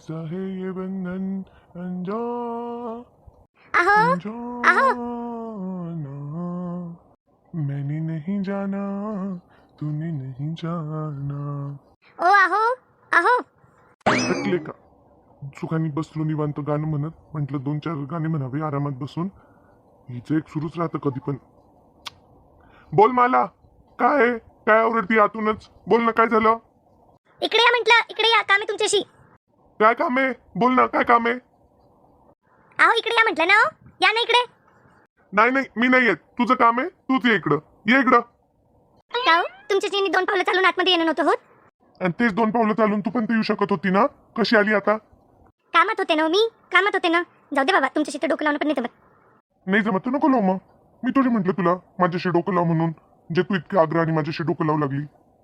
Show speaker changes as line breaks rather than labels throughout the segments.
कैसा है ये बंधन
आहो आहो
अनजाना, मैंने नहीं जाना तूने नहीं जाना.
ओ आहो आहो
ऐकले का? सुखानी बसलो निवांत गाणं म्हणत. म्हटलं 2-4 गाणे म्हणावे आरामात बसून. हिचं एक सुरूच राहतं कधी पण. बोल मला, काय आहे? काय आवडती आतूनच? बोल ना, काय झालं?
इकडे या म्हटलं, इकडे या, काम आहे तुमच्याशी.
काय काम आहे? बोल ना, काय काम आहे?
आहो इकडे या म्हटलं ना. हो या ना इकडे.
नाही नाही, मी नाही येत. तुझं काम आहे, तूच ये इकडं. ये इकडं.
का हो? तुमच्याशी 2 पावलं चालून आतमध्ये येणं नव्हतं होत?
आणि तेच 2 पावलं चालून तू पण ते येऊ शकत होती ना. कशी आली आता?
कामात होते ना हो मी, कामात होते ना. जाऊ दे बाबा, तुमच्याशी तर डोकं लावणं पण नाही जमत.
नाही जमत तर नको लावू मग. मी तुझे म्हटलं तुला माझ्याशी डोकं लाव म्हणून, जे तू इतक्या आग्रहाने माझ्याशी डोकं लावू लागली.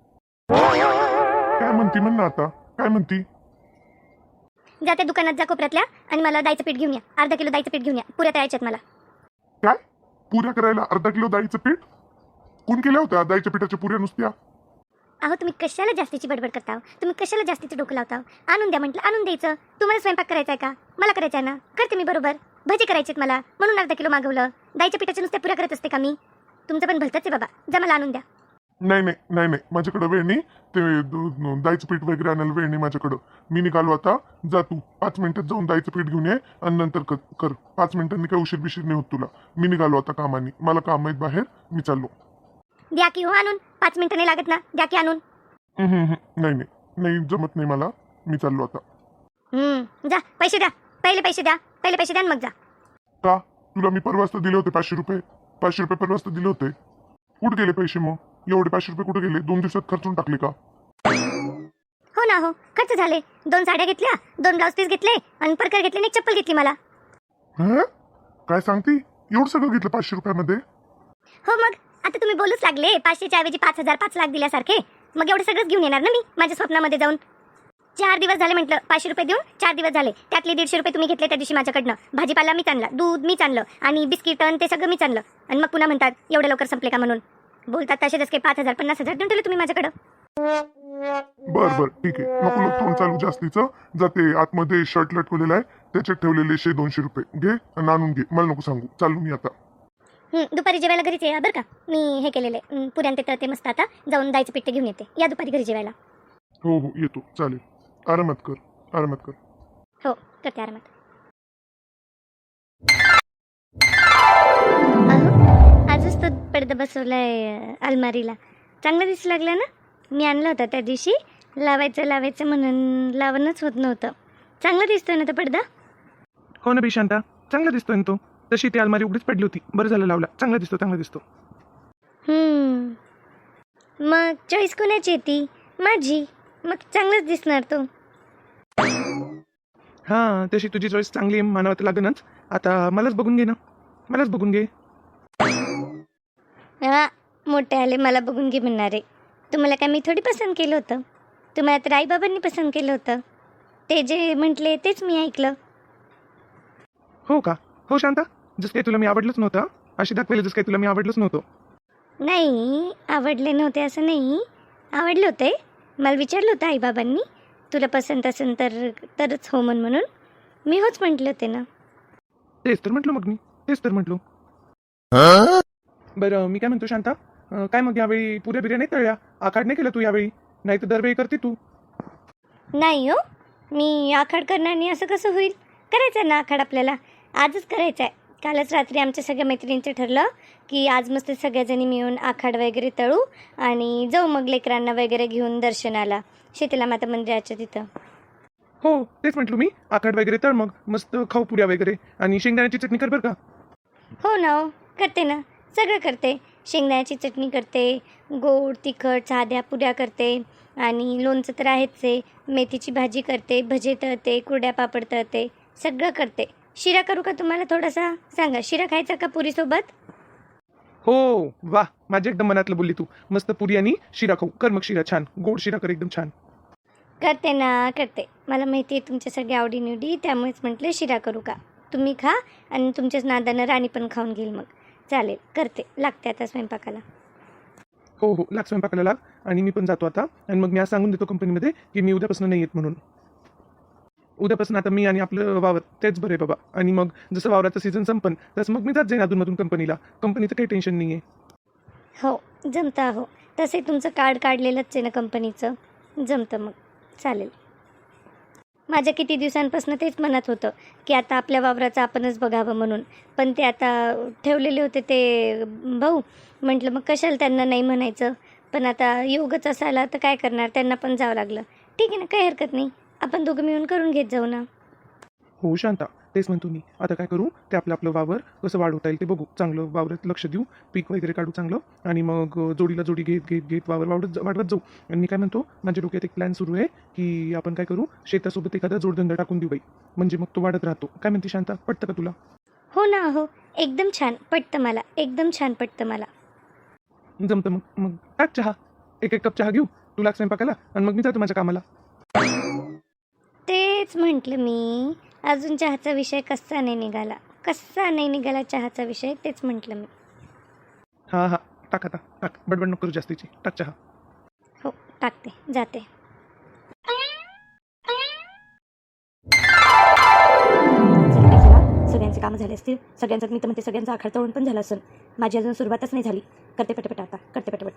काय म्हणती म्हण ना आता, काय म्हणती?
जा त्या दुकानात जा कोपऱ्यातल्या आणि मला डाळीचं पीठ घेऊन या. अर्धा किलो डाळीचं पीठ घेऊन या. पुऱ्या तळायच्यात मला.
काय? पुऱ्या करायला अर्धा किलो डाळीचं पीठ? कोण केल्या होत्या डाळीच्या पिठाच्या पुऱ्या नुसत्या?
अहो तुम्ही कशाला जास्तीची बडबड करता हो? तुम्ही कशाला जास्तीचं डोकं लावता हो? आणून द्या म्हटलं, आणून द्यायचं. तुम्हाला स्वयंपाक करायचा आहे का? मला करायचा आहे ना, करते मी बरोबर. भजी करायचेत मला म्हणून अर्धा किलो मागवलं. डाळीच्या पिठाच्या नुसत्या पुऱ्या करत असते का मी? तुमचं पण भलतंच आहे बाबा. जा मला आणून द्या.
नाही नाही नाही नाही, माझ्याकडे वेळ नाही. ते डाळीचं पीठ वगैरे आणायला वेळ नाही माझ्याकडं. मी निघालो आता. जा तू 5 मिनिटात जाऊन डाळीचं पीठ घेऊन ये आणि नंतर कर. 5 मिनिटांनी काय उशीर बिशीर नाही होत तुला. मी निघालो आता कामानी. मला काम आहेत बाहेर, मी चाललो.
द्या की हो आणून. 5 मिनिटं नाही लागत ना, द्या की आणून.
नाही नाही नाही, जमत नाही मला. मी चाललो आता.
जा पैसे द्या. पहिले पैसे द्या. पहिले पैसे द्या आणि मग जा.
का? तुला मी परवाच तर दिले होते 500 रुपये. 500 रुपये परवाच तर दिले होते. कुठे गेले पैसे मग? एवढे 500 रुपये कुठे गेले? 2 दिवसात खर्चून टाकले का?
हो ना हो, खर्च झाले. 2 साड्या घेतल्या, 2 ब्लाऊज पीस घेतले आणि परकर घेतले आणि एक चप्पल घेतली मला.
हं? काय सांगती? एवढं सगळं घेतलं 500 रुपयामध्ये?
हो मग आता तुम्ही बोलूच लागले 500च्या ऐवजी 5,000 5 लाख दिल्यासारखे. मग एवढं सगळंच घेऊन येणार ना मी माझ्या स्वप्नामध्ये जाऊन. 4 दिवस झाले म्हटलं 500 रुपये देऊन 4 दिवस झाले. त्यातले 150 रुपये तुम्ही घेतले त्या दिवशी माझ्याकडनं. भाजीपाला मीच आणला, दूध मीच आणलं आणि बिस्किट ते सगळं मीच आणलं. आणि मग पुन्हा म्हणतात एवढे लवकर संपले का म्हणून. बोलतात तसेच काही 5,000 50,000 देऊन ठेवले तुम्ही माझ्याकडं.
बर ठीक आहे. नको नको तोंड चालू जास्तीचं. जाते आतमध्ये शर्ट लटकवलेला आहे, त्याच्यात ठेवलेले 100-200 रुपये घे आणि आणून घे. मला नको सांगू. चालू मी आता.
दुपारी जेवायला घरीच या बरं का. मी हे केलेले पुऱ्यान ते तळते मस्त. आता जाऊन जायचं पीठ घेऊन येते. या दुपारी घरी जेवायला.
हो हो येतो. चालेल. आरामात कर, आरामात कर.
हो करते आरामात. आजच तो पडदा बसवलाय अलमारीला. चांगला दिसू लागला ना. मी आणला होता त्या दिवशी. लावायचं म्हणून लावणच होत नव्हतं. चांगला दिसतोय ना तो पडदा.
हो ना बी शांता, चांगला दिसतोय ना तो. तशी ती अलमारी उघडीच पडली होती. बरं झालं लावला. चांगला दिसतो, चांगला दिसतो.
मग चॉईस कोणाची येते? माझी. मग चांगलाच दिसणार तो.
हां, तशी तुझी चॉईस चांगली आहे मानावं तर लागेनच. आता मलाच बघून घे ना, मलाच बघून घे.
हा मोठे आले मला बघून घे म्हणणारे. तुम्हाला काय मी थोडी पसंत केलं होतं? तुम्हाला तर आईबाबांनी पसंत केलं होतं. ते जे म्हटले तेच मी ऐकलं.
हो का? हो शांता, जसं काही तुला मी आवडलंच नव्हतं. अशी दाखवली जसं काही तुला मी आवडलंच नव्हतं.
नाही आवडले नव्हते असं नाही. आवडले होते. मला विचारलं होतं आईबाबांनी तुला पसंत असेल तरच हो म्हणून. मी होच म्हटले होते ना.
तेच तर म्हटलं मग मी, तेच तर म्हटलो. बरं मी काय म्हणतो शांता, काय मग यावेळी पुऱ्या बिर्या नाही तळल्या? आखाड नाही केलं तू यावेळी? नाही तर दरवेळी करते तू.
नाही हो, मी आखाड करणार नाही असं कसं होईल? करायचं ना आखाड आपल्याला. आजच करायचं आहे. कालच रात्री आमच्या सगळ्या मैत्रिणींचं ठरलं की आज मस्त सगळ्याजणी मिळून आखाड वगैरे तळू आणि जाऊ मग लेकरांना वगैरे घेऊन दर्शनाला शीतला माता मंदिराच्या तिथं.
हो तेच म्हटलं मी, आखाड वगैरे तळ मग मस्त खाऊ पुऱ्या वगैरे आणि शेंगदाण्याची चटणी कर बरं का.
हो ना हो, करते ना. सगळं करते. शेंगदाण्याची चटणी करते, गोड तिखट साध्या पुऱ्या करते आणि लोणचं तर आहेच आहे. मेथीची भाजी करते, भजे तळते, कुरड्या पापड तळते, सगळं करते. शिरा करू का तुम्हाला थोडासा? सांगा, शिरा खायचा का पुरीसोबत?
हो वा, माझ्या एकदम मनातलं बोलली तू. मस्त पुरी आणि शिरा खाऊ. कर मग शिरा छान, गोड शिरा कर एकदम छान.
करते ना करते. मला माहिती आहे तुमच्या सगळ्या आवडीनिवडी, त्यामुळेच म्हटलं शिरा करू का. तुम्ही खा आणि तुमच्याच नादानं राणी पण खाऊन घेईल मग. चालेल करते. लागते आता स्वयंपाकाला.
हो हो लाग स्वयंपाकाला लाग. आणि मी पण जातो आता. आणि मग मी आज सांगून देतो कंपनीमध्ये की मी उद्यापासून नाही येत म्हणून. उद्यापासून आता मी आणि आपलं वावर तेच बरं आहे बाबा. आणि मग जसं वावराचं सीझन संपन तसं मग मी जात जाईन अधूनमधून कंपनीला. कंपनीचं काही टेन्शन नाही आहे.
हो जमतं हो. तसे तुमचं कार्ड काढलेलंच आहे ना कंपनीचं, जमतं मग, चालेल. माझ्या किती दिवसांपासून तेच म्हणत होतं की आता आपल्या वावराचं आपणच बघावं म्हणून, पण ते आता ठेवलेले होते ते भाऊ. म्हटलं मग कशाला त्यांना नाही म्हणायचं, पण आता योगच असायला तर काय करणार, त्यांना पण जावं लागलं. ठीक आहे ना, काही हरकत नाही, आपण दोघं मिळून करून घेत जाऊ ना.
हो शांता, तेच म्हणतो मी. आता काय करू, ते आपलं आपलं वावर कसं वाढवता येईल ते बघू. चांगलं वावरात लक्ष देऊ, पीक वगैरे काढू चांगलं, आणि मग जोडीला जोडी घेत घेत घेत वावर वाढवत जाऊ. आणि मी काय म्हणतो, माझ्या डोक्यात एक प्लॅन सुरू आहे की आपण काय करू, शेतासोबत एखादा जोडधंदा टाकून देऊ बाई, म्हणजे मग तो वाढत राहतो. काय म्हणते शांता, पटतं का तुला?
हो ना हो, एकदम छान पटतं मला, एकदम छान पटतं मला.
जमतं मग. मग टाक चहा, एक एक कप चहा घेऊ, तुला स्वयंपाकाला, आणि मग मी जातो माझ्या कामाला.
तेच म्हटलं मी, अजून चहाचा विषय कसा नाही निघाला चहाचा विषय, तेच म्हटलं मी.
हां हां, टाक आता, टाक, बडबड नको करू जास्तीची, टाक चहा.
हो टाकते, जाते. सगळ्यांचे कामं झाले असतील, सगळ्यांचं मी तर म्हणते सगळ्यांचा आखाड तळून पण झाला असेल. माझी अजून सुरुवातच नाही झाली. करते पटपट आता, करते पटपट.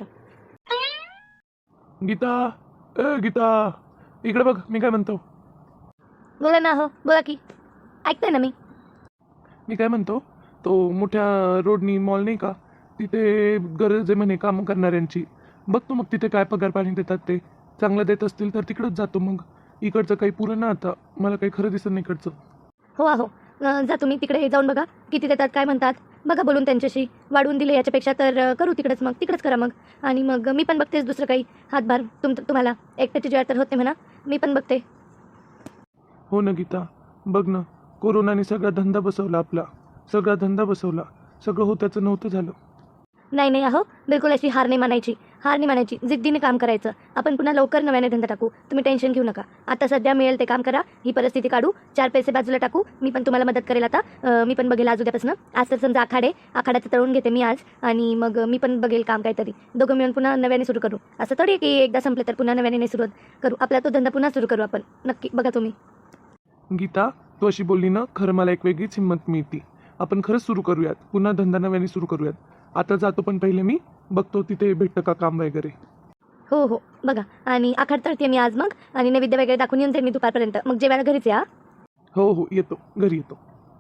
गीता, गीता, इकडे बघ, मी काय म्हणतो.
बोला ना हो, बोला की, ऐकते ना मी.
मी काय म्हणतो, तो मोठ्या रोडनी मॉल नाही का, तिथे गरज आहे म्हणे काम करणाऱ्यांची. बघतो मग तिथे काय पगार पाणी देतात, ते चांगलं देत असतील तर तिकडंच जातो. मग इकडचं काही पुरं ना आता, मला काही खरं दिसत नाही इकडचं.
हो आहो, जा तुम्ही तिकडे जाऊन बघा किती देतात, काय म्हणतात बघा, बोलून त्यांच्याशी. वाढवून दिले याच्यापेक्षा तर करू तिकडंच, मग तिकडंच करा मग. आणि मग मी पण बघतेच दुसरं काही हातभार. तुम्हाला एकट्याची ज्वार तर होते म्हणा, मी पण बघते.
हो ना गीता, बघ ना, कोरोनाने सगळा धंदा बसवला आपला, सगळा धंदा बसवला, सगळं होत्याचं नव्हतं झालं.
नाही अहो, बिलकुल अशी हार नाही मानायची, जिद्दीने काम करायचं. आपण पुन्हा लवकर नव्याने धंदा टाकू, तुम्ही टेन्शन घेऊ नका. आता सध्या मिळेल ते काम करा, ही परिस्थिती काढू, 4 पैसे बाजूला टाकू. मी पण तुम्हाला मदत करेल आता. मी पण बघेल आज उद्यापासून. आज तर समजा आखाड्याचं तळून घेते मी आज, आणि मग मी पण बघेल काम काहीतरी. दोघं मिळून पुन्हा नव्याने सुरू करू. असं थोडी की एकदा संपले तर पुन्हा नव्याने नाही सुरुवात करू. आपला तो धंदा पुन्हा सुरू करू आपण, नक्की. बघा तुम्ही.
गीता, तू अशी बोलली ना, खरं मला एक वेगळीच हिंमत मिळते. आपण खरंच सुरू करूयात, पुन्हा धंदा नव्याने सुरू करूयात. आता जातो, पण पहिले मी बघतो तिथे भेटतं का काम वगैरे.
हो बघा. आणि आखाड तळते मी आज मग, आणि नैवेद्य वगैरे दाखवून येऊन जाईल मी दुपारपर्यंत. मग जेवायला घरीच या.
हो येतो, घरी येतो.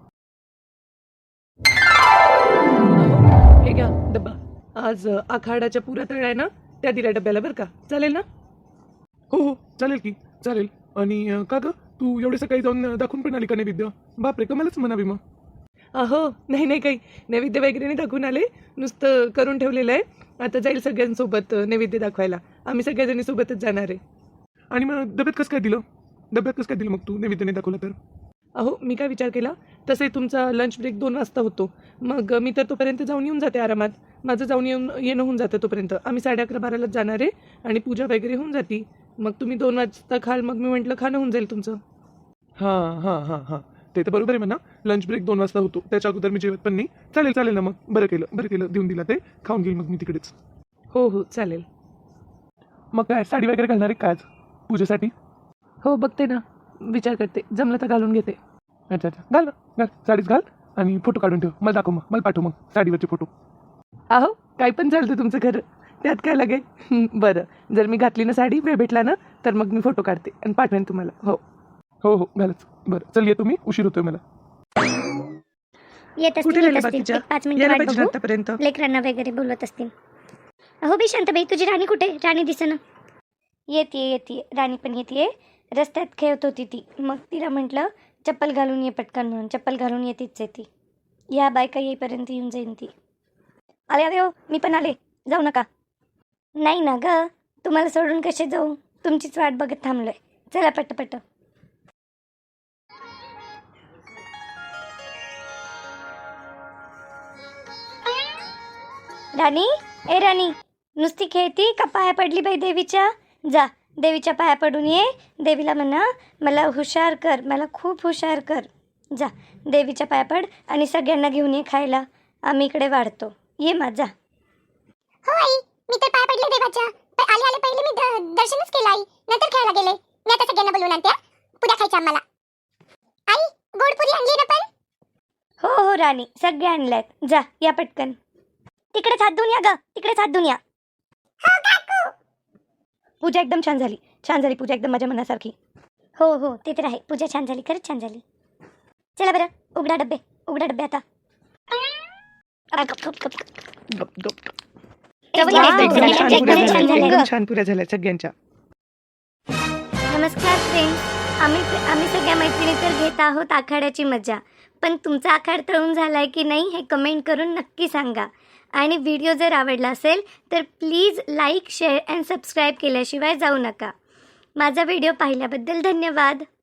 हे घ्या डब्बा. आज आखाडाच्या पुऱ्या तळ्या आहे ना, त्या दिल्या डब्याला, बरं का? चालेल ना? हो चालेल की, चालेल. आणि का ग, तू एवढे सकाळी जाऊन दाखवून पण आली का नैवेद्य? बापरे, कमालच म्हणावी मग. हो नाही काही नैवेद्य वगैरे नाही दाखवून आले, नुसतं करून ठेवलेलं आहे. आता जाईल सगळ्यांसोबत नैवेद्य दाखवायला. आम्ही सगळ्याजणी सोबतच जाणार आहे. आणि मग डब्यात कसं काय दिलं मग तू नैवेद्य नाही दाखवला तर? अहो, मी काय विचार केला, तसे तुमचा लंच ब्रेक 2 वाजता होतो. मग मी तर तोपर्यंत जाऊन येऊन जाते आरामात. माझं जाऊन येणं होऊन जातं तोपर्यंत. आम्ही 11:30-12लाच जाणार आहे, आणि पूजा वगैरे होऊन जाती. मग तुम्ही 2 वाजता खाल, मग मी म्हटलं खाणं होऊन जाईल तुमचं. हां ते तर बरोबर आहे म्हणा. लंच ब्रेक 2 वाजता होतो, त्याच्या अगोदर मी जेवत पण नाही. चालेल ना मग. बरं केलं देऊन दिला ते. खाऊन घेईल मग मी तिकडेच. हो चालेल. मग काय साडी वगैरे घालणार आहे का आज पूजेसाठी? हो बघते ना, विचार करते, जमलं तर घालून घेते. अच्छा घाल साडीच घाल, आणि फोटो काढून ठेव, मला दाखव, मग मला पाठव मग साडीवरचे फोटो. अहो, काही पण चालतं तुमचं खरं, त्यात काय लागेल. बरं, जर मी घातली ना साडी, वेळ भेटला ना, तर मग मी फोटो काढते आणि पाठवेन तुम्हाला. हो घालच. बरं चल, येतो मी, उशीर होतोय मला.
येत
कुठे
असतील,
राहिले
येत असतील.
बाकीच्या?
5 मिनिटं
यायला
वाट
पाहिजे ना
बघू.
आतापर्यंत.
लेकरांना वगैरे बोलवत असतील. अहो बी शांताबाई, तुझी राणी कुठे? राणी दिसेना. येते राणी पण येते. रस्त्यात खेळत होती ती, मग तिला म्हटलं चप्पल घालून ये पटकन म्हणून. चप्पल घालून येतेच आहे ती. या बायका येईपर्यंत येऊन जाईन ती. आले हो, मी पण आले, जाऊ नका. नाही ना ग, तुम्हाला सोडून कसे जाऊ, तुमचीच वाट बघत थांबलोय. चला पट्ट. राणी, नुसती खेळती का पाया पडली बाई देवीच्या? जा, देवीच्या पाया पडून ये. देवीला म्हणा मला हुशार कर, मला खूप हुशार कर. जा, देवीच्या पाया पड, आणि सगळ्यांना घेऊन ये खायला. आम्ही इकडे वाढतो. ये माझा.
हो आई, मी तर पाय पडले देवाच्या. आले पहिले मी दर्शनच केलं आई, नंतर खेळायला गेले. मी आता सगळ्यांना बोलवून आणते. पुऱ्या खायच्या आम्हाला.
हो राणी, सगळे आणल्यात. जा या पटकन. तिकडेच हात धुवून या ग, तिकडेच हात धुवून या. पूजा एकदम छान झाली, छान झाली पूजा, एकदम माझ्या मनासारखी. हो हो, ते तर आहे. पूजा छान झाली, खरंच छान झाली. चला बरं, उघडा डब्बे आता.
गप गप
एकदम
एकदम छान
छान
पुऱ्या
झाल्या,
झाल्या,
छान
एकदम
झाल्या.
छान पुऱ्या झाल्या सगळ्यांच्या.
नमस्कार फ्रेंड्स, आम्ही सगळ्या मैत्रिणी तर घेत आहोत आखाड्याची मजा. पण तुमचा आखाड तळून झालाय की नाही हे कमेंट करून नक्की सांगा. आणि व्हिडिओ जर आवडला असेल तर please like, share and subscribe केल्याशिवाय जाऊ नका. माझा व्हिडिओ पाहिल्याबद्दल धन्यवाद.